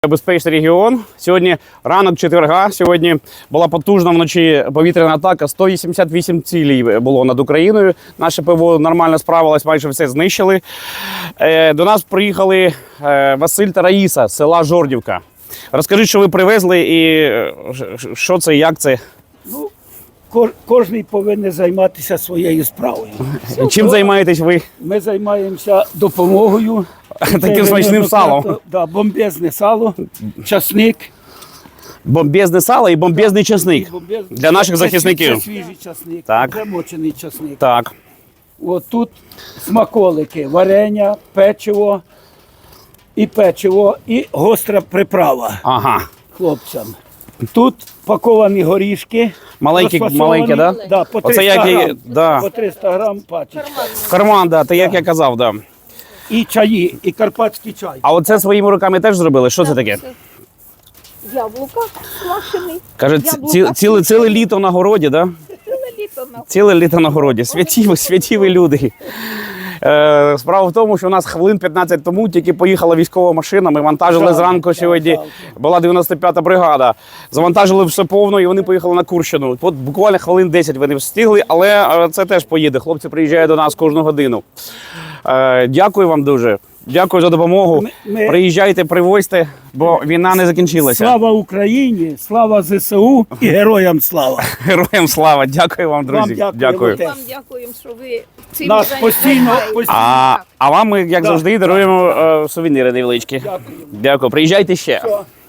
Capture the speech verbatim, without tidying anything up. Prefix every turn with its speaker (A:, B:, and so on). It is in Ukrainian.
A: Безпечний регіон. Сьогодні ранок четверга. Сьогодні була потужна вночі повітряна атака. сто вісімдесят вісім цілей було над Україною. Наше ПВО нормально справилось, майже все знищили. До нас приїхали Василь та Раїса з села Жордівка. Розкажіть, що ви привезли і що це, як це?
B: Ну, кожен повинен займатися своєю справою.
A: Чим займаєтесь ви?
B: Ми займаємося допомогою.
A: Таким смачним салом.
B: Да, бомбезне сало, часник.
A: Бомбезне сало і бомбезний часник
B: Бомбез...
A: для наших
B: це,
A: захисників.
B: Це свіжий часник,
A: Так.
B: замочений часник.
A: Так.
B: От тут смаколики, варення, печиво і печиво, і гостра приправа
A: Ага.
B: хлопцям. Тут паковані горішки.
A: Маленькі, маленькі, да?
B: Да, по
A: Оце
B: триста
A: як і-
B: грам,
A: да.
B: по триста грам пачечка.
A: В карман, да, та як я казав, да.
B: І чаї, і карпатський чай.
A: А оце своїми руками теж зробили? Що це таке?
C: Яблука квашений.
A: Каже, ці- ці- ціле, ціле літо на городі, да?
C: Ціле літо на
A: Ціле літо на городі. Святі, ви- святі ви люди. Е, справа в тому, що у нас хвилин п'ятнадцять тому тільки поїхала військова машина. Ми вантажили
B: Жалко,
A: зранку сьогодні.
B: жалко.
A: Була дев'яносто п'ята бригада. Завантажили все повно і вони поїхали на Курщину. От буквально хвилин десять вони встигли, але е, це теж поїде. Хлопці приїжджають до нас кожну годину. Е, дякую вам дуже. Дякую за допомогу.
B: Ми- ми-
A: Приїжджайте, привозьте, бо війна не закінчилася.
B: Слава Україні, слава ЗСУ і героям слава.
A: Героям слава! Дякую вам, друзі.
B: Вам дякуємо
A: Дякую.
B: теж.
C: вам дякуємо, що ви цим
B: Нас
C: займаєтесь.
B: постійно, постійно.
A: А, а вам ми, як
B: Да.
A: завжди, даруємо е, сувеніри невеличкі.
B: Дякую.
A: Дякую. Приїжджайте ще.
B: Все.